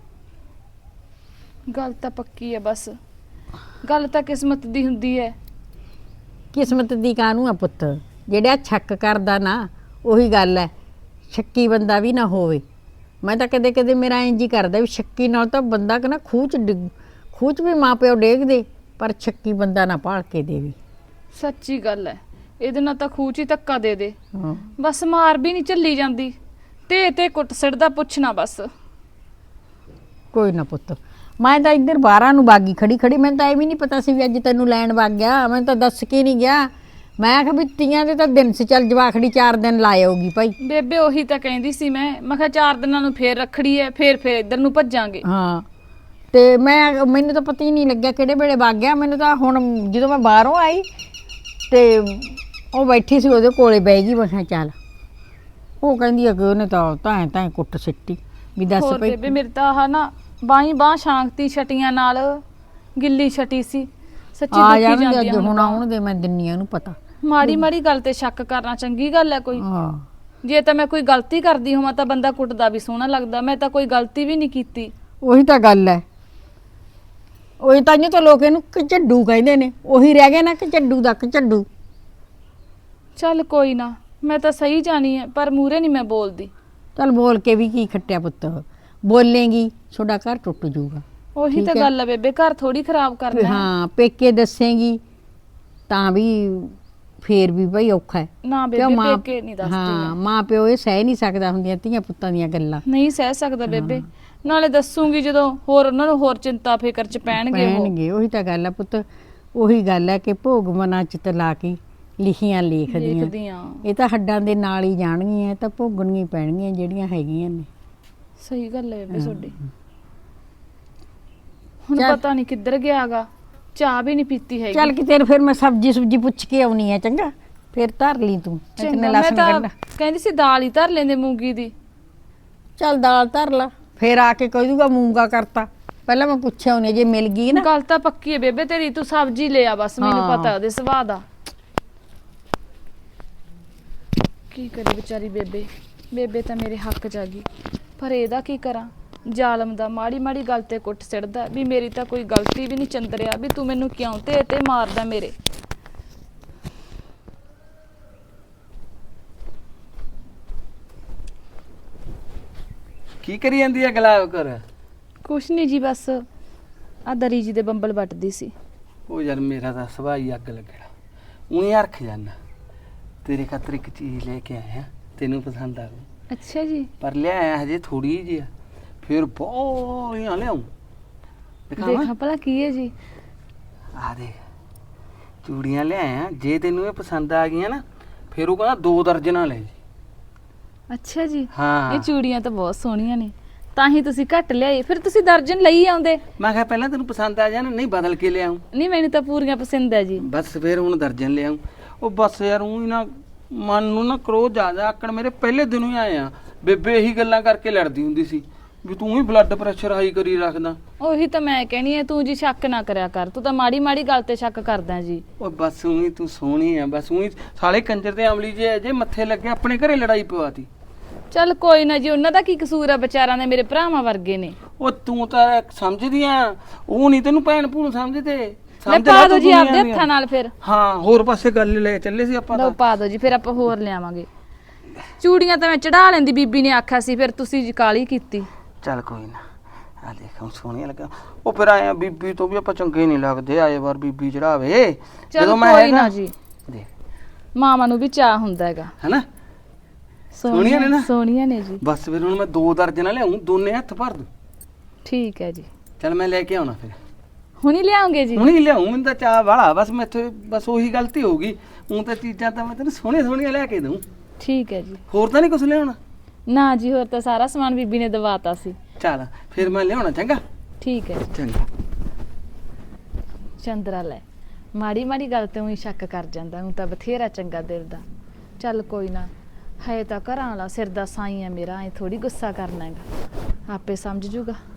[SPEAKER 1] ਗੱਲ ਤਾਂ ਪੱਕੀ ਹੈ, ਬਸ ਗੱਲ ਤਾਂ ਕਿਸਮਤ ਦੀ ਹੁੰਦੀ ਹੈ।
[SPEAKER 8] ਕਿਸਮਤ ਦੀ ਕਾਹਨੂੰ ਆ ਪੁੱਤ, ਜਿਹੜਾ ਸ਼ੱਕ ਕਰਦਾ ਨਾ ਉਹੀ ਗੱਲ ਹੈ, ਸ਼ੱਕੀ ਬੰਦਾ ਵੀ ਨਾ ਹੋਵੇ। ਮੈਂ ਤਾਂ ਕਦੇ ਕਦੇ ਮੇਰਾ ਇੰਜ ਹੀ ਕਰਦਾ ਵੀ ਸ਼ੱਕੀ ਨਾਲ ਤਾਂ ਬੰਦਾ ਕਿ ਨਾ ਖੂਚ ਡਿੱਗ ਖੂਚ ਵੀ ਮਾਂ ਪਿਓ ਡੇਗ ਦੇ, ਪਰ ਸ਼ੱਕੀ ਬੰਦਾ ਨਾ ਭਾਲ ਕੇ ਦੇਵੇ।
[SPEAKER 1] ਸੱਚੀ ਗੱਲ ਹੈ, ਇਹਦੇ ਨਾਲ ਤਾਂ ਖੂਚ ਹੀ ਧੱਕਾ ਦੇ ਦੇ,
[SPEAKER 8] ਹਾਂ
[SPEAKER 1] ਬਸ ਮਾਰ ਵੀ ਨਹੀਂ ਝੱਲੀ ਜਾਂਦੀ, ਤੇ ਤੇ ਕੁੱਟ ਸਿੜਦਾ, ਪੁੱਛਣਾ ਬਸ।
[SPEAKER 8] ਕੋਈ ਨਾ ਪੁੱਤ, ਮੈਂ ਤਾਂ ਇੱਧਰ ਬਾਰਾਂ ਨੂੰ ਬਾਗੀ ਖੜੀ ਖੜੀ, ਮੈਨੂੰ ਤਾਂ ਇਹ ਵੀ ਨਹੀਂ ਪਤਾ ਸੀ ਵੀ ਅੱਜ ਤੈਨੂੰ ਲੈਣ ਵਗ ਗਿਆ, ਮੈਨੂੰ ਤਾਂ ਦੱਸ ਕੇ ਨਹੀਂ ਗਿਆ। ਮੈਂ ਕਿਹਾ ਵੀ ਤੀਆਂ ਦੇ ਤਾਂ ਦਿਨ ਸੀ, ਚੱਲ ਜਵਾਖੜੀ ਚਾਰ ਦਿਨ ਲਾ ਆਊਗੀ ਭਾਈ।
[SPEAKER 1] ਬੇਬੇ ਉਹੀ ਤਾਂ ਕਹਿੰਦੀ ਸੀ, ਮੈਂ ਮੈਂ ਕਿਹਾ ਚਾਰ ਦਿਨਾਂ ਨੂੰ ਫੇਰ ਰੱਖੜੀ ਹੈ, ਫੇਰ ਫੇਰ ਇੱਧਰ ਨੂੰ ਭੱਜਾਂਗੇ।
[SPEAKER 8] ਹਾਂ ਤੇ ਮੈਂ ਮੈਨੂੰ ਤਾਂ ਪਤਾ ਹੀ ਨਹੀਂ ਲੱਗਿਆ ਕਿਹੜੇ ਵੇਲੇ ਵਗ ਗਿਆ। ਮੈਨੂੰ ਤਾਂ ਹੁਣ ਜਦੋਂ ਮੈਂ ਬਾਹਰੋਂ ਆਈ ਤੇ ਉਹ ਬੈਠੀ ਸੀ ਉਹਦੇ ਕੋਲੇ ਬਹਿ ਗਈ, ਮੈਂ ਕਿਹਾ ਚੱਲ। ਉਹ ਕਹਿੰਦੀ ਆ ਕਿ ਉਹਨੇ ਤਾਂ ਤਾਂ ਤਾਂ ਕੁੱਟ ਸਿੱਟੀ ਵੀ ਦੱਸ
[SPEAKER 1] ਹੋਰ
[SPEAKER 8] ਭਾਈ।
[SPEAKER 1] ਬੇਬੇ ਮੇਰੇ ਤਾਂ ਆਹ ਨਾ ਬਾਈ ਬਾਹ ਸ਼ਾਂਤੀ ਛਟੀਆਂ ਨਾਲ ਗਿੱਲੀ ਛਟੀ ਸੀ, ਸੱਚੀ
[SPEAKER 8] ਆ
[SPEAKER 1] ਦੁੱਖੀ
[SPEAKER 8] ਜਾਣਗੇ
[SPEAKER 1] ਜਾਂਦੀ
[SPEAKER 8] ਅੱਜ,
[SPEAKER 1] ਆ
[SPEAKER 8] ਹੁਣ
[SPEAKER 1] ਹੁਣ।
[SPEAKER 8] ਆਉਣ ਦੇ, ਮੈਂ ਦਿੰਨੀ ਆ ਉਹਨੂੰ ਪਤਾ।
[SPEAKER 1] ਮਾੜੀ ਮਾੜੀ ਗੱਲ ਤੇ ਸ਼ੱਕ ਕਰਨਾ ਚੰਗੀ ਗੱਲ ਹੈ ਕੋਈ?
[SPEAKER 8] ਹਾਂ
[SPEAKER 1] ਜੇ ਤਾਂ ਮੈਂ ਕੋਈ ਗਲਤੀ ਕਰਦੀ ਹੋਵਾਂ ਤਾਂ ਬੰਦਾ ਕੁੱਟਦਾ ਵੀ ਸੋਹਣਾ ਲੱਗਦਾ, ਮੈਂ ਤਾਂ ਕੋਈ ਗਲਤੀ ਵੀ ਨਹੀਂ ਕੀਤੀ।
[SPEAKER 8] ਉਹੀ ਤਾਂ ਗੱਲ ਹੈ, ਉਹੀ ਤਾਂ ਤਾਂ ਲੋਕ ਇਹਨੂੰ ਝੱਡੂ ਕਹਿੰਦੇ ਨੇ, ਉਹੀ ਰਹਿ ਗਿਆ ਨਾ ਕਿ ਝੱਡੂ ਦਾ ਝੱਡੂ।
[SPEAKER 1] ਚੱਲ ਕੋਈ ਨਾ, ਮੈਂ ਤਾਂ ਸਹੀ ਜਾਣੀ ਹੈ, ਪਰ ਮੂਰੇ ਨਹੀਂ ਮੈਂ ਬੋਲਦੀ।
[SPEAKER 8] ਚੱਲ ਬੋਲ ਕੇ ਵੀ ਕੀ ਖੱਟਿਆ ਪੁੱਤ, ਬੋਲੇਂਗੀ ਤੁਹਾਡਾ ਘਰ ਟੁੱਟ ਜਾਊਗਾ।
[SPEAKER 1] ਉਹੀ
[SPEAKER 8] ਠੀਕ
[SPEAKER 1] ਤਾਂ
[SPEAKER 8] ਹੈ।
[SPEAKER 1] ਗੱਲ ਹੈ ਬੇਬੇ, ਘਰ ਥੋੜੀ ਖਰਾਬ ਕਰਨਾ ਹੈ।
[SPEAKER 8] ਹਾਂ ਪੇਕੇ ਦੱਸੇਂਗੀ ਤਾਂ ਵੀ ਫੇਰ ਵੀ ਭਾਈ ਔਖਾ ਹੈ।
[SPEAKER 1] ਨਾ
[SPEAKER 8] ਕਿਉਂ
[SPEAKER 1] ਬੇਬੇ
[SPEAKER 8] ਮਾਂ-
[SPEAKER 1] ਪੇਕੇ ਨਹੀਂ ਦੱਸਦੀ
[SPEAKER 8] ਹਾਂ
[SPEAKER 1] ਮੈਂ।
[SPEAKER 8] ਮਾਂ ਪਿਓ ਇਹ ਸਹਿ ਨਹੀਂ ਸਕਦਾ ਹੁੰਦੀਆਂ ਧੀਆਂ ਪੁੱਤਾਂ ਦੀਆਂ ਗੱਲਾਂ।
[SPEAKER 1] ਨਹੀਂ ਸਹਿ ਸਕਦਾ ਬੇਬੇ, ਨਾਲੇ ਦੱਸੂਗੀ ਜਦੋਂ ਹੋਰ ਉਹਨਾਂ ਨੂੰ ਹੋਰ ਚਿੰਤਾ ਫਿਕਰ ਚ ਪੈਣਗੇ ਉਹ।
[SPEAKER 8] ਪੈਣਗੇ ਉਹੀ ਤਾਂ ਗੱਲ ਹੈ ਪੁੱਤ, ਉਹੀ ਗੱਲ ਹੈ ਕਿ ਭੋਗ ਮਨਾਂ ਚ ਤਲਾ ਕੇ ਲਿਖੀਆਂ ਲੇਖਦੀਆਂ।
[SPEAKER 1] ਦੇਖਦੀਆਂ
[SPEAKER 8] ਇਹ ਤਾਂ ਹੱਡਾਂ ਦੇ ਨਾਲ ਹੀ ਜਾਣਗੀਆਂ, ਇਹ ਤਾਂ ਭੋਗਣੀਆਂ ਹੀ ਪੈਣਗੀਆਂ ਜਿਹੜੀਆਂ ਹੈਗੀਆਂ ਨੇ।
[SPEAKER 1] ਸਹੀ ਗੱਲ ਹੈ ਬੇਬੇ ਤੁਹਾਡੀ। ਹੁਣ
[SPEAKER 8] ਚੱਲ।
[SPEAKER 1] ਪਤਾ ਨਹੀਂ ਕਿੱਧਰ ਗਿਆਗਾ, ਚਾਹ ਵੀ ਨਹੀਂ ਪੀਤੀ ਹੈਗੀ।
[SPEAKER 8] ਚੱਲ ਕਿਤੇ ਫਿਰ ਮੈਂ ਸਬਜੀ ਸੁਬਜੀ ਪੁੱਛ ਕੇ ਆਉਣੀ ਹੈ, ਚੰਗਾ? ਫਿਰ ਧਰ ਲਈ ਤੂੰ
[SPEAKER 1] ਚੰਗਾ,
[SPEAKER 8] ਇਤਨੇ
[SPEAKER 1] ਮੈਂ
[SPEAKER 8] ਲਸਣ
[SPEAKER 1] ਤਾਂ
[SPEAKER 8] ਗੰਢਾ।
[SPEAKER 1] ਕਹਿੰਦੀ ਸੀ ਦਾਲ ਹੀ ਧਰ ਲੈਂਦੇ ਮੂੰਗੀ ਦੀ।
[SPEAKER 8] ਚੱਲ ਦਾਲ ਧਰ ਲਾ, ਫਿਰ ਆ ਕੇ ਕਹਿ ਦੂਗਾ ਮੂੰਗਾ ਕਰਤਾ। ਪਹਿਲਾਂ ਮੈਂ ਪੁੱਛਿਆ ਉਹਨੇ, ਜੇ ਮਿਲ ਗਈ ਨਾ।
[SPEAKER 1] ਗੱਲ ਤਾਂ ਪੱਕੀ ਹੈ ਬੇਬੇ ਤੇਰੀ, ਤੂੰ ਸਬਜ਼ੀ ਲੈ ਆ ਬਸ, ਮੈਨੂੰ
[SPEAKER 8] ਹਾਂ।
[SPEAKER 1] ਪਤਾ ਉਹਦੇ ਸੁਭਾਅ ਦਾ। ਕੀ ਕਰੇ ਵਿਚਾਰੀ ਬੇਬੇ, ਬੇਬੇ ਤਾਂ ਮੇਰੇ ਹੱਕ ਚ ਆ ਗਈ, ਪਰ ਇਹਦਾ ਕੀ ਕਰਾਂ? ਜ਼ਾਲਮ ਦਾ ਮਾੜੀ ਮਾੜੀ ਗੱਲ ਤੇ ਕੁੱਟ ਸਿੜਦਾ ਵੀ ਮੇਰੀ ਤਾਂ ਕੋਈ ਗਲਤੀ ਵੀ ਨਹੀਂ ਚੰਦਰਿਆ, ਵੀ ਤੂੰ ਮੈਨੂੰ ਕਿਉਂ ਤੇ ਤੇ ਮਾਰਦਾ ਮੇਰੇ।
[SPEAKER 2] ਕੀ ਕਰੀ ਜਾਂਦੀ ਹੈ ਗੁਲਾਬ ਕਰ?
[SPEAKER 1] ਕੁਛ ਨਹੀਂ ਜੀ, ਬਸ ਆ ਦਰੀ ਜੀ ਦੇ ਬੰਬਲ ਵੱਟਦੀ ਸੀ।
[SPEAKER 2] ਉਹ ਯਾਰ ਮੇਰਾ ਤਾਂ ਸੁਭਾਅ ਹੀ ਅੱਗ ਲੱਗਣਾ, ਉਹੀ ਹਰਖ ਜਾਨਾ। ਤੇਰੇ ਖਾਤਰ ਇੱਕ ਚੀਜ਼ ਲੈ ਕੇ ਆਇਆ, ਤੈਨੂੰ ਪਸੰਦ ਆਊ।
[SPEAKER 1] ਅੱਛਾ ਜੀ।
[SPEAKER 2] ਪਰ ਲਿਆਇਆ ਹਜੇ ਥੋੜੀ ਜਿਹੀ ਆ, ਫਿਰ ਬਹੁਤੀਆਂ ਲਿਆਉਂ।
[SPEAKER 1] ਦੇਖਾਂ ਭਲਾ ਕੀ ਹੈ ਜੀ।
[SPEAKER 2] ਆ ਦੇਖ, ਚੂੜੀਆਂ ਲਿਆਇਆ, ਜੇ ਤੈਨੂੰ ਇਹ ਪਸੰਦ ਆ ਗਈਆਂ ਨਾ ਫਿਰ ਉਹ ਕਹਿੰਦਾ ਦੋ ਦਰਜਨਾਂ ਲੈ ਜੀ।
[SPEAKER 1] ਅੱਛਾ ਜੀ,
[SPEAKER 2] ਹਾਂ
[SPEAKER 1] ਇਹ ਚੂੜੀਆਂ ਤਾਂ ਬਹੁਤ ਸੋਹਣੀਆਂ ਨੇ, ਤਾਂ ਹੀ ਤੁਸੀਂ ਘੱਟ ਲਿਆਏ। ਫਿਰ ਤੁਸੀਂ ਦਰਜਨ ਲਈ ਆਉਂਦੇ।
[SPEAKER 2] ਮੈਂ ਕਿਹਾ ਪਹਿਲਾਂ ਤੈਨੂੰ ਪਸੰਦ ਆ ਜਾਣ, ਨਹੀਂ ਬਦਲ ਕੇ ਲਿਆਉਂ।
[SPEAKER 1] ਨਹੀਂ ਮੈਨੂੰ ਤਾਂ ਪੂਰੀਆਂ ਪਸੰਦ ਹੈ ਜੀ।
[SPEAKER 2] ਬਸ ਫਿਰ ਹੁਣ ਦਰਜਨ ਲਿਆਉਂ। ਉਹ ਬਸ ਯਾਰ ਉਹ ਨਾ ਮਨ ਨੂੰ ਨਾ ਕਰੋਧ ਜ਼ਿਆਦਾ ਆਕੜ ਮੇਰੇ ਪਹਿਲੇ ਦਿਨੋਂ ਹੀ ਆਏ ਆ। ਬੇਬੇ ਇਹੀ ਗੱਲਾਂ ਕਰਕੇ ਲੜਦੀ ਹੁੰਦੀ ਸੀ ਵੀ ਤੂੰ ਹੀ ਬਲੱਡ ਪ੍ਰੈਸ਼ਰ ਹਾਈ ਕਰੀ ਰੱਖਦਾ।
[SPEAKER 1] ਉਹੀ ਤਾਂ ਮੈਂ ਕਹਿਣੀ ਹੈ, ਤੂੰ ਜੀ ਸ਼ੱਕ ਨਾ ਕਰਿਆ ਕਰ, ਤੂੰ ਤਾਂ ਮਾੜੀ ਮਾੜੀ ਗੱਲ ਤੇ ਸ਼ੱਕ ਕਰਦਾ ਜੀ।
[SPEAKER 2] ਉਹ ਬਸ ਉਹੀ ਤੂੰ ਸੋਹਣੀ ਆ, ਬਸ ਉਹੀ ਸਾਲੇ ਕੰਜਰ ਦੇ ਅਮਲੀ ਜੇ ਜੇ ਮੱਥੇ ਲੱਗੇ ਆਪਣੇ ਘਰੇ ਲੜਾਈ ਪਵਾਤੀ।
[SPEAKER 1] ਚੱਲ ਕੋਈ ਨਾ ਜੀ, ਉਹਨਾਂ ਦਾ ਕੀ ਕਸੂਰ ਆ, ਵਿਚਾਰਾਂ ਦੇ ਮੇਰੇ ਭਰਾਵਾਂ ਵਰਗੇ ਨੇ।
[SPEAKER 2] ਉਹ ਤੂੰ ਤਾਂ ਸਮਝਦੀ ਆ, ਉਹ ਨਹੀਂ ਤੈਨੂੰ ਭੈਣ ਭੂਣ ਸਮਝਦੇ।
[SPEAKER 1] ਲੈ
[SPEAKER 2] ਸਮਝ
[SPEAKER 1] ਪਾ
[SPEAKER 2] ਲੈ
[SPEAKER 1] ਦੋ
[SPEAKER 2] ਤੂੰ
[SPEAKER 1] ਜੀ
[SPEAKER 2] ਦੁਨੀਆ
[SPEAKER 1] ਆਪਦੇ
[SPEAKER 2] ਦੀਆਂ।
[SPEAKER 1] ਹੱਥਾਂ ਨਾਲ ਫਿਰ।
[SPEAKER 2] ਹਾਂ ਹੋਰ ਪਾਸੇ ਗੱਲ ਲੈ ਚੱਲੇ ਸੀ ਆਪਾਂ
[SPEAKER 1] ਲਓ
[SPEAKER 2] ਤਾਂ।
[SPEAKER 1] ਪਾ ਦੋ ਜੀ, ਫਿਰ ਆਪਾਂ ਹੋਰ ਲਿਆਵਾਂਗੇ। ਚੂੜੀਆਂ ਤਾਂ ਮੈਂ ਚੜਾ ਲੈਂਦੀ, ਬੀਬੀ ਨੇ ਆਖਿਆ ਸੀ, ਫਿਰ ਤੁਸੀਂ ਜੀ ਕਾਲੀ ਕੀਤੀ।
[SPEAKER 2] ਚੱਲ ਕੋਈ ਨਾ, ਆ ਦੇਖ ਹੁਣ ਸੋਹਣੀਆਂ ਲੱਗਾ। ਉਹ ਫਿਰ ਆਏ ਆ ਬੀਬੀ ਤੋਂ ਵੀ ਆਪਾਂ ਚੰਗੇ ਨਹੀਂ ਲੱਗਦੇ, ਆਏ ਵਾਰ ਬੀਬੀ ਚੜਾਵੇ।
[SPEAKER 1] ਚੱਲ ਕੋਈ ਨਾ ਜੀ,
[SPEAKER 2] ਦੇਖ
[SPEAKER 1] ਮਾਵਾਂ ਨੂੰ ਵੀ ਚਾਹ ਹੁੰਦਾ ਹੈਗਾ।
[SPEAKER 2] ਹੈਨਾ ਸੋਹਣੀਆਂ ਨੇ ਨਾ?
[SPEAKER 1] ਸੋਹਣੀਆਂ ਨੇ ਜੀ।
[SPEAKER 2] ਬਸ ਫਿਰ ਹੁਣ ਮੈਂ ਦੋ ਦਰਜਨਾਂ ਲਿਆਉਂ, ਦੋਨੇ ਹੱਥ ਭਰ ਦੂੰ।
[SPEAKER 1] ਠੀਕ ਹੈ ਜੀ,
[SPEAKER 2] ਚੱਲ ਮੈਂ ਲੈ ਕੇ ਆਉਣਾ ਫਿਰ।
[SPEAKER 1] ਹੁਣੀ ਲਿਆਉਂਗੇ ਜੀ?
[SPEAKER 2] ਹੁਣੀ ਲਿਆਉਂ, ਮੈਨੂੰ ਤਾਂ ਚਾਹ ਵਾਲਾ। ਬਸ ਮੈਥੋਂ ਬਸ ਉਹੀ ਗਲਤੀ ਹੋ ਗਈ। ਹੁਣ ਤਾਂ ਚੀਜ਼ਾਂ ਤਾਂ ਮੈਂ ਤੈਨੂੰ ਸੋਹਣੀਆਂ ਸੋਹਣੀਆਂ ਲੈ ਕੇ ਦਊਂ।
[SPEAKER 1] ਠੀਕ ਹੈ ਜੀ।
[SPEAKER 2] ਹੋਰ ਤਾਂ ਨਹੀਂ ਕੁਝ ਲਿਆਉਣਾ?
[SPEAKER 1] ਨਾ ਜੀ, ਹੋਰ ਤਾਂ ਸਾਰਾ ਸਮਾਨ ਬੀਬੀ ਨੇ ਦਵਾਤਾ ਸੀ।
[SPEAKER 2] ਚੱਲ ਫਿਰ ਮੈਂ ਲਿਆਉਣਾ, ਚੰਗਾ?
[SPEAKER 1] ਠੀਕ ਹੈ ਜੀ।
[SPEAKER 2] ਚੰਗਾ।
[SPEAKER 1] ਚੰਦਰਾ ਲੈ, ਮਾੜੀ ਮਾੜੀ ਗੱਲ ਤੇ ਉਹੀ ਸ਼ੱਕ ਕਰ ਜਾਂਦਾ, ਹੁਣ ਤਾਂ ਬਥੇਰਾ ਚੰਗਾ ਦਿਲ ਦਾ। ਚੱਲ ਕੋਈ ਨਾ, ਹੈ ਤਾਂ ਘਰਾਂ ਵਾਲਾ ਸਿਰ ਦਾ ਸਾਈ ਆ ਮੇਰਾ, ਐ ਥੋੜੀ ਗੁੱਸਾ ਕਰਨਾ ਹੈਗਾ, ਆਪੇ ਸਮਝ ਜੂਗਾ।